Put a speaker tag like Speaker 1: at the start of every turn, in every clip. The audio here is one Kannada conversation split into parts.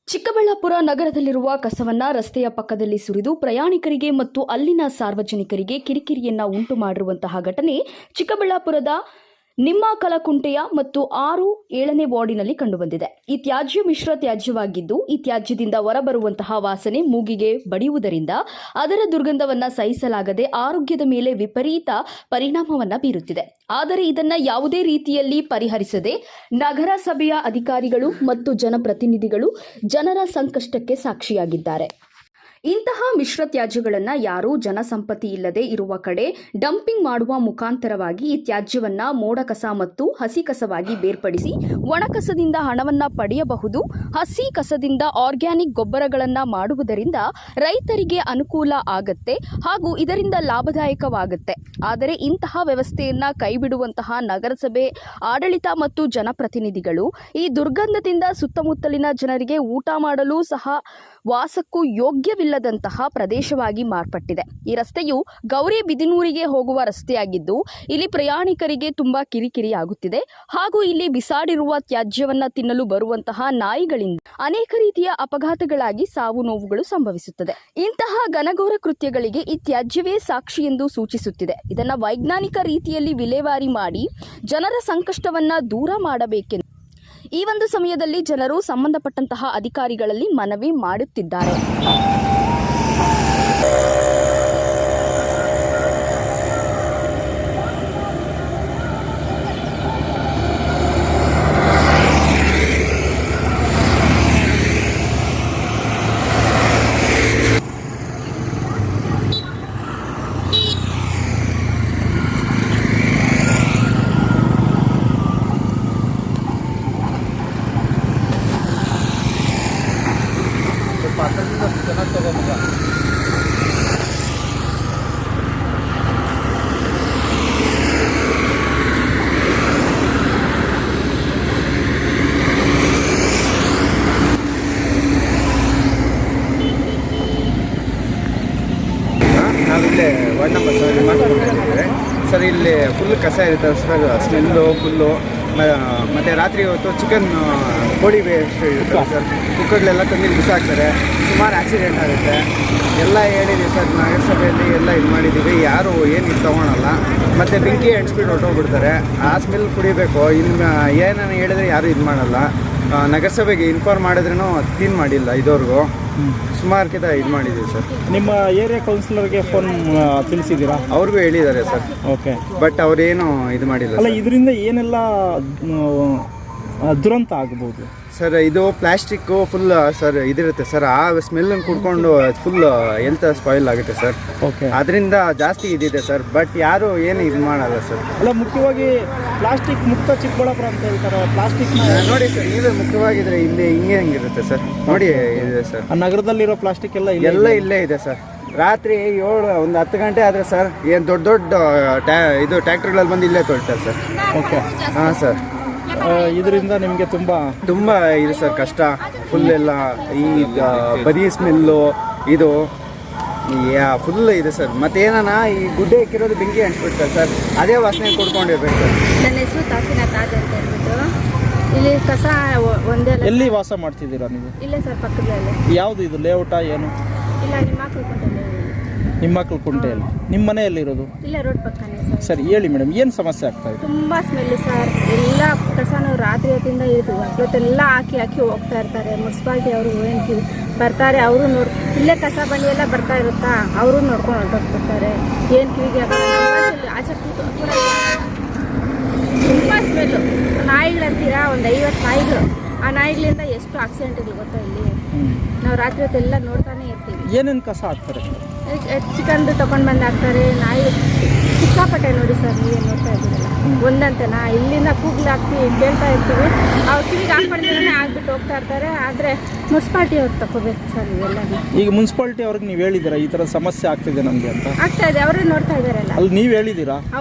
Speaker 1: ಚಿಕ್ಕಬಳ್ಳಾಪುರ ನಗರದಲ್ಲಿರುವ ಕಸವನ್ನ ರಸ್ತೆಯ ಪಕ್ಕದಲ್ಲಿ ಸುರಿದು ಪ್ರಯಾಣಿಕರಿಗೆ ಮತ್ತು ಅಲ್ಲಿನ ಸಾರ್ವಜನಿಕರಿಗೆ ಕಿರಿಕಿರಿಯನ್ನ ಉಂಟು ಮಾಡಿರುವಂತಹ ಘಟನೆ ಚಿಕ್ಕಬಳ್ಳಾಪುರದ ನಿಮ್ಮಕಲಕುಂಟೆಯ ಮತ್ತು 6-7ನೇ ವಾರ್ಡಿನಲ್ಲಿ ಕಂಡುಬಂದಿದೆ. ಈ ತ್ಯಾಜ್ಯ ಮಿಶ್ರ ತ್ಯಾಜ್ಯವಾಗಿದ್ದು, ಈ ತ್ಯಾಜ್ಯದಿಂದ ಹೊರಬರುವಂತಹ ವಾಸನೆ ಮೂಗಿಗೆ ಬಡಿಯುವುದರಿಂದ ಅದರ ದುರ್ಗಂಧವನ್ನ ಸಹಿಸಲಾಗದೆ ಆರೋಗ್ಯದ ಮೇಲೆ ವಿಪರೀತ ಪರಿಣಾಮವನ್ನ ಬೀರುತ್ತಿದೆ. ಆದರೆ ಇದನ್ನ ಯಾವುದೇ ರೀತಿಯಲ್ಲಿ ಪರಿಹರಿಸದೆ ನಗರಸಭೆಯ ಅಧಿಕಾರಿಗಳು ಮತ್ತು ಜನಪ್ರತಿನಿಧಿಗಳು ಜನರ ಸಂಕಷ್ಟಕ್ಕೆ ಸಾಕ್ಷಿಯಾಗಿದ್ದಾರೆ. ಇಂತಹ ಮಿಶ್ರ ತ್ಯಾಜ್ಯಗಳನ್ನು ಯಾರೂ ಜನಸಂಪತ್ತಿ ಇಲ್ಲದೆ ಇರುವ ಕಡೆ ಡಂಪಿಂಗ್ ಮಾಡುವ ಮುಖಾಂತರವಾಗಿ ಈ ತ್ಯಾಜ್ಯವನ್ನ ಮೋಡ ಕಸ ಮತ್ತು ಹಸಿ ಕಸವಾಗಿ ಬೇರ್ಪಡಿಸಿ ಒಣ ಕಸದಿಂದ ಹಣವನ್ನ ಪಡೆಯಬಹುದು. ಹಸಿ ಕಸದಿಂದ ಆರ್ಗ್ಯಾನಿಕ್ ಗೊಬ್ಬರಗಳನ್ನು ಮಾಡುವುದರಿಂದ ರೈತರಿಗೆ ಅನುಕೂಲ ಆಗತ್ತೆ ಹಾಗೂ ಇದರಿಂದ ಲಾಭದಾಯಕವಾಗುತ್ತೆ. ಆದರೆ ಇಂತಹ ವ್ಯವಸ್ಥೆಯನ್ನ ಕೈಬಿಡುವಂತಹ ನಗರಸಭೆ ಆಡಳಿತ ಮತ್ತು ಜನಪ್ರತಿನಿಧಿಗಳು ಈ ದುರ್ಗಂಧದಿಂದ ಸುತ್ತಮುತ್ತಲಿನ ಜನರಿಗೆ ಊಟ ಮಾಡಲು ಸಹ ವಾಸಕ್ಕೂ ಯೋಗ್ಯವಿಲ್ಲದಂತಹ ಪ್ರದೇಶವಾಗಿ ಮಾರ್ಪಟ್ಟಿದೆ. ಈ ರಸ್ತೆಯು ಗೌರಿಬಿದನೂರಿಗೆ ಹೋಗುವ ರಸ್ತೆಯಾಗಿದ್ದು, ಇಲ್ಲಿ ಪ್ರಯಾಣಿಕರಿಗೆ ತುಂಬಾ ಕಿರಿಕಿರಿ ಆಗುತ್ತಿದೆ ಹಾಗೂ ಇಲ್ಲಿ ಬಿಸಾಡಿರುವ ತ್ಯಾಜ್ಯವನ್ನ ತಿನ್ನಲು ಬರುವಂತಹ ನಾಯಿಗಳಿಂದ ಅನೇಕ ರೀತಿಯ ಅಪಘಾತಗಳಾಗಿ ಸಾವು ನೋವುಗಳು ಸಂಭವಿಸುತ್ತದೆ. ಇಂತಹ ಘನಘೋರ ಕೃತ್ಯಗಳಿಗೆ ಈ ತ್ಯಾಜ್ಯವೇ ಸಾಕ್ಷಿ ಎಂದು ಸೂಚಿಸುತ್ತಿದೆ. ಇದನ್ನ ವೈಜ್ಞಾನಿಕ ರೀತಿಯಲ್ಲಿ ವಿಲೇವಾರಿ ಮಾಡಿ ಜನರ ಸಂಕಷ್ಟವನ್ನ ದೂರ ಮಾಡಬೇಕೆಂದು ಈ ಒಂದು ಸಮಯದಲ್ಲಿ ಜನರು ಸಂಬಂಧಪಟ್ಟಂತಹ ಅಧಿಕಾರಿಗಳಲ್ಲಿ ಮನವಿ ಮಾಡುತ್ತಿದ್ದಾರೆ.
Speaker 2: ನಾವಿಲ್ಲೇ ವಾರ್ಡ್ ನಂಬರ್ 7 ಮಾಡ್ಕೊಂಡಿದ್ದೇವೆ ಸರ್. ಇಲ್ಲಿ ಫುಲ್ ಕಸ ಇರುತ್ತೆ ಸರ್, ಸ್ಮೆಲ್ಲು ಫುಲ್ಲು. ಮತ್ತು ರಾತ್ರಿ ಹೊತ್ತು ಚಿಕನ್ ಕೋಳಿ ವೇಸ್ಟ್ ಇರುತ್ತೆ ಸರ್, ಕುಕ್ಕರ್ಲೆಲ್ಲ ತಂದು ಬಿಸಾಕ್ತಾರೆ. ಸುಮಾರು ಆಕ್ಸಿಡೆಂಟ್ ಆಗುತ್ತೆ. ಎಲ್ಲ ಹೇಳಿದ್ದೀವಿ ಸರ್, ನಗರಸಭೆಯಲ್ಲಿ ಎಲ್ಲ ಇದು ಮಾಡಿದ್ದೀವಿ, ಯಾರು ಏನು ಇದು ತೊಗೊಳಲ್ಲ. ಮತ್ತು ಬೆಂಕಿ ಅಂಟಿಸ್ಬಿಟ್ಟು ಹೊರಟೋಗ್ಬಿಡ್ತಾರೆ. ಆ ಸ್ಮೆಲ್ ಕುಡಿಬೇಕು. ಇನ್ನು ಏನನ್ನು ಹೇಳಿದ್ರೆ ಯಾರು ಇದು ಮಾಡಲ್ಲ. ನಗರಸಭೆಗೆ ಇನ್ಫಾರ್ಮ್ ಮಾಡಿದ್ರೂ ಕ್ಲೀನ್ ಮಾಡಿಲ್ಲ ಇದುವರೆಗೂ. ಸುಮಾರು ಇದು ಮಾಡಿದ್ದೀವಿ ಸರ್.
Speaker 3: ನಿಮ್ಮ ಏರಿಯಾ ಕೌನ್ಸಿಲರ್ಗೆ ಫೋನ್ ತಿಳಿಸಿದ್ದೀರಾ?
Speaker 2: ಅವ್ರಿಗೂ ಹೇಳಿದ್ದಾರೆ ಸರ್.
Speaker 3: ಓಕೆ,
Speaker 2: ಬಟ್ ಅವರೇನು ಇದು ಮಾಡಿಲ್ಲ.
Speaker 3: ಅಲ್ಲ, ಇದರಿಂದ ಏನೆಲ್ಲ ದುರಂತ ಆಗ್ಬೋದು
Speaker 2: ಸರ್? ಇದು ಪ್ಲಾಸ್ಟಿಕ್ಕು ಫುಲ್ ಸರ್ ಇದಿರುತ್ತೆ ಸರ್. ಆ ಸ್ಮೆಲ್ಲನ್ನು ಕುಡ್ಕೊಂಡು ಫುಲ್ ಹೆಲ್ತ್ ಸ್ಪಾಯಿಲ್ ಆಗುತ್ತೆ ಸರ್.
Speaker 3: ಓಕೆ,
Speaker 2: ಅದರಿಂದ ಜಾಸ್ತಿ ಇದಿದೆ ಸರ್. ಬಟ್ ಯಾರು ಏನು ಇದು ಮಾಡಲ್ಲ ಸರ್.
Speaker 3: ಅಲ್ಲ, ಮುಖ್ಯವಾಗಿ ಪ್ಲಾಸ್ಟಿಕ್ ಮುಕ್ತ ಚಿಕ್ಕಬಳ್ಳಾಪುರ ಅಂತ ಹೇಳ್ತಾರೆ. ಪ್ಲಾಸ್ಟಿಕ್
Speaker 2: ನೋಡಿ ಸರ್, ನೀವೇ ಮುಖ್ಯವಾಗಿದ್ರೆ ಇಲ್ಲಿ ಹೆಂಗಿರುತ್ತೆ ಸರ್. ನೋಡಿ ಇದೆ ಸರ್,
Speaker 3: ಆ ನಗರದಲ್ಲಿರೋ ಪ್ಲಾಸ್ಟಿಕ್ ಎಲ್ಲ
Speaker 2: ಇಲ್ಲೇ ಇದೆ ಸರ್. ರಾತ್ರಿ 10 ಗಂಟೆ ಆದರೆ ಸರ್, ಏನು ದೊಡ್ಡ ಇದು ಟ್ಯಾಕ್ಟರ್ಗಳಲ್ಲಿ ಬಂದು ಇಲ್ಲೇ ತೊಳ್ತಾರೆ ಸರ್.
Speaker 3: ಓಕೆ,
Speaker 2: ಹಾಂ ಸರ್.
Speaker 3: ಇದರಿಂದ ನಿಮಗೆ ತುಂಬ
Speaker 2: ಇದೆ ಸರ್, ಕಷ್ಟ ಫುಲ್. ಎಲ್ಲ ಈ ಬರೀ ಸ್ಮೆಲ್ಲು ಇದು ಫುಲ್ ಇದೆ ಸರ್. ಮತ್ತೇನ ಈ ಗುಡ್ಡೆ ಇಕ್ಕಿರೋದು ಬೆಂಕಿ ಅಂಟಿಸ್ಬಿಡ್ತಾರೆ ಸರ್, ಅದೇ ವಾಸನೆ ಕೊಡ್ಕೊಂಡಿರ್ಬೇಕು ಸರ್.
Speaker 4: ನನ್ನ ಹೆಸರು ತಾಸಿನ ತಾಜ್ ಅಂತ ಹೇಳ್ಬಿಟ್ಟು. ಇಲ್ಲಿ ಕಸ ಒಂದೇ.
Speaker 3: ಎಲ್ಲಿ ವಾಸ ಮಾಡ್ತಿದ್ದೀರಾ ನೀವು?
Speaker 4: ಇಲ್ಲೇ ಸರ್, ಪಕ್ಕದಲ್ಲೇ.
Speaker 3: ಯಾವುದು ಇದು ಲೇಔಟಾ ಏನು?
Speaker 4: ಇಲ್ಲ,
Speaker 3: ನಿಮ್ಮಕಲಕುಂಟೆಯಲ್ಲಿ. ನಿಮ್ಮ ಮನೆಯಲ್ಲಿರೋದು?
Speaker 4: ಇಲ್ಲ, ರೋಡ್ ಪಕ್ಕನೇ ಸರ್.
Speaker 3: ಸರಿ, ಹೇಳಿ ಮೇಡಮ್, ಏನು ಸಮಸ್ಯೆ ಆಗ್ತಾ ಇದೆ?
Speaker 4: ತುಂಬ ಸ್ಮೆಲ್ಲು ಸರ್. ಎಲ್ಲ ಕಸನೂ ರಾತ್ರಿ ಹೊತ್ತಿಂದ ಇದ್ದು ಇವತ್ತೆಲ್ಲ ಹಾಕಿ ಹೋಗ್ತಾ ಇರ್ತಾರೆ. ಮುನ್ಸಿಪಾಲ್ಟಿ ಅವರು ಏನು ಬರ್ತಾರೆ, ಅವರು ಇಲ್ಲೇ ಕಸ ಬಂಡಿ ಎಲ್ಲ ಬರ್ತಾ ಇರುತ್ತಾ, ಅವರು ನೋಡ್ಕೊಂಡು ಹೊರಟೋಗ್ಬಿಡ್ತಾರೆ. ಏನು ಕಿವಿಗೆ ಆಚೆ ಕೂಡ ತುಂಬ ಸ್ಮೆಲ್ಲು. ನಾಯಿಗಳಂತೀರಾ, ಒಂದು 50 ನಾಯಿಗಳು. ಆ ನಾಯಿಗಳಿಂದ ಎಷ್ಟು ಆಕ್ಸಿಡೆಂಟ್ಗಳು ಗೊತ್ತಾ ಇಲ್ಲಿ. ನಾವು ರಾತ್ರಿ ಹೊತ್ತೆಲ್ಲ ನೋಡ್ತಾನೆ ಇರ್ತೀವಿ.
Speaker 3: ಏನೇನು ಕಸ ಹಾಕ್ತಾರೆ?
Speaker 4: ಚಿಕನ್ದು ತೊಗೊಂಡು ಬಂದು ಹಾಕ್ತಾರೆ. ನಾಯಿ ಸಿಕ್ಕಾಪಟ್ಟೆ ನೋಡಿ ಸರ್, ನೀವೇ ನೋಡ್ತಾ ಇದ್ದೀರಲ್ಲ. ಒಂದಂತೆನಾ ಇಲ್ಲಿಂದ ಕೂಗ್ಲಾಗ್ತೀವಿ, ಕೇಳ್ತಾ ಇರ್ತೀವಿ. ಅವ್ರು ಕಿವಿಗೆ ಹಾಕ್ಬಿಡ್ತಾನೆ ಆಗ್ಬಿಟ್ಟು ಹೋಗ್ತಾ ಇರ್ತಾರೆ. ಆದರೆ ಮುನ್ಸಿಪಾಲ್ಟಿ ಅವ್ರು ತಗೋಬೇಕು ಸರ್ ಇವೆಲ್ಲ.
Speaker 3: ಈಗ ಮುನ್ಸಿಪಾಲ್ಟಿ ಅವ್ರಿಗೆ ನೀವು ಹೇಳಿದ್ದೀರಾ ಈ ಥರ ಸಮಸ್ಯೆ ಆಗ್ತಿದೆ ನಮಗೆ ಅಂತ?
Speaker 4: ಆಗ್ತಾ ಇದೆ, ಅವರೇ ನೋಡ್ತಾ ಇದ್ದಾರಲ್ಲ.
Speaker 3: ಅಲ್ಲಿ ನೀವು ಹೇಳಿದ್ದೀರಾ?
Speaker 4: ಹೌದು.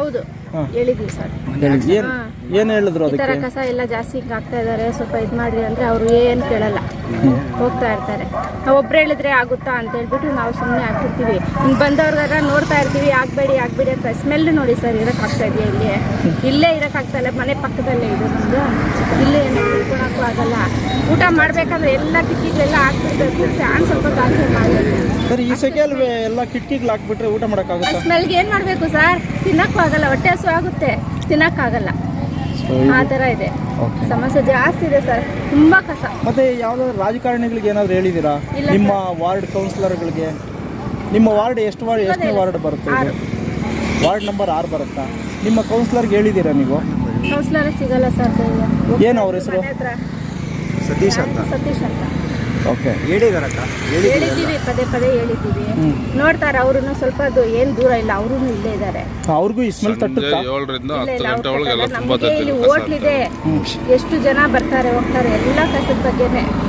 Speaker 4: ಹೇಳಿದ್ವಿ ಸರ್.
Speaker 3: ಏನು ಹೇಳಿದ್ರು
Speaker 4: ಈ ಥರ
Speaker 3: ಅದಕ್ಕೆ?
Speaker 4: ಕಸ ಎಲ್ಲ ಜಾಸ್ತಿ ಹಿಂಗೆ ಆಗ್ತಾ ಇದ್ದಾರೆ, ಸ್ವಲ್ಪ ಇದು ಮಾಡಿರಿ ಅಂದರೆ ಅವರು ಏನು ಕೇಳಲ್ಲ, ಹೋಗ್ತಾ ಇರ್ತಾರೆ. ನಾವು ಒಬ್ರು ಹೇಳಿದ್ರೆ ಆಗುತ್ತಾ ಅಂತ ಹೇಳ್ಬಿಟ್ಟು ನಾವು ಸುಮ್ಮನೆ ಹಾಕ್ಬಿಡ್ತೀವಿ. ಹಿಂಗೆ ಬಂದವ್ರಿಗಾರ ನೋಡ್ತಾ ಇರ್ತೀವಿ, ಆಗಬೇಡಿ ಅಂತ. ಸ್ಮೆಲ್ ನೋಡಿ ಸರ್, ಇರೋಕ್ಕಾಗ್ತಾ ಇದೆಯಾ? ಇಲ್ಲೇ ಇರೋಕ್ಕಾಗ್ತಾ ಇಲ್ಲ, ಮನೆ ಪಕ್ಕದಲ್ಲೇ ಇದು ನಮ್ಮದು. ಇಲ್ಲೇ ಏನು ತಿಳ್ಕೊಳಕ್ಕೂ ಆಗಲ್ಲ. ಊಟ ಮಾಡಬೇಕಂದ್ರೆ ಎಲ್ಲ ಕಿಟಕಿಗಳೆಲ್ಲ ಹಾಕ್ಬಿಡ್ಬೇಕು, ಫ್ಯಾನ್ ಸ್ವಲ್ಪ ಜಾಸ್ತಿ ಮಾಡಬೇಕು.
Speaker 3: ಸರ್ ಈ ಸೆಕೆಯಲ್ಲಿ ಎಲ್ಲ ಕಿಟಕಿಗಳು ಹಾಕ್ಬಿಟ್ರೆ ಊಟ ಮಾಡೋಕ್ಕಾಗುತ್ತಾ?
Speaker 4: ಸ್ಮೆಲ್ಗೆ ಏನು ಮಾಡಬೇಕು ಸರ್? ತಿನ್ನಕ್ಕೂ ಆಗಲ್ಲ, ಹೊಟ್ಟೆ ಹಸು ಆಗುತ್ತೆ, ತಿನ್ನಕ್ಕಾಗಲ್ಲ. ಆ ಥರ ಇದೆ, ಸಮಸ್ಯೆ ಜಾಸ್ತಿ ಇದೆ ಸರ್, ತುಂಬ ಕಸ.
Speaker 3: ಮತ್ತೆ ಯಾವ್ದಾದ್ರು ರಾಜಕಾರಣಿಗಳಿಗೆ ಏನಾದ್ರು ಹೇಳಿದ್ದೀರಾ?
Speaker 4: ಇಲ್ಲ
Speaker 3: ನಿಮ್ಮ ವಾರ್ಡ್ ಕೌನ್ಸಿಲರ್ಗಳಿಗೆ? ನಿಮ್ಮ ವಾರ್ಡ್ ಎಷ್ಟನೇ ವಾರ್ಡ್ ಬರುತ್ತೆ? ಇದು ವಾರ್ಡ್ ನಂಬರ್ 6 ಬರುತ್ತಾ? ನಿಮ್ಮ ಕೌನ್ಸಿಲರ್ಗೆ ಹೇಳಿದ್ದೀರಾ ನೀವು?
Speaker 4: ಕೌನ್ಸಿಲರ್ ಸಿಗಲ್ಲ ಸರ್.
Speaker 3: ಏನು ಅವ್ರ ಹೆಸರು?
Speaker 2: ಸತೀಶ್ ಅಂತ.
Speaker 4: ಸತೀಶ್ ಅಂತ.
Speaker 3: ಓಕೆ,
Speaker 2: ಹೇಳಿದಾರಕ್ಕ,
Speaker 4: ಹೇಳಿದ್ದೀವಿ, ಪದೇ ಹೇಳಿದ್ದೀವಿ. ನೋಡ್ತಾರೆ ಅವರು, ಸ್ವಲ್ಪ ಏನು ದೂರ ಇಲ್ಲ, ಅವರು ಇಲ್ಲೇ ಇದ್ದಾರೆ.
Speaker 3: ಅವ್ರಿಗೂ ಈ ಸ್ಮೆಲ್ ತಟ್ಟುತ್ತಾ?
Speaker 5: 7ರಿಂದ 10 ಗಂಟೆ ಒಳಗೆ ಎಲ್ಲ ತುಂಬ
Speaker 4: ಇಲ್ಲಿ ಹೋಟ್ಲಿದೆ, ಎಷ್ಟು ಜನ ಬರ್ತಾರೆ ಹೋಗ್ತಾರೆ, ಎಲ್ಲ ಕಸದ ಬಗ್ಗೆನೇ.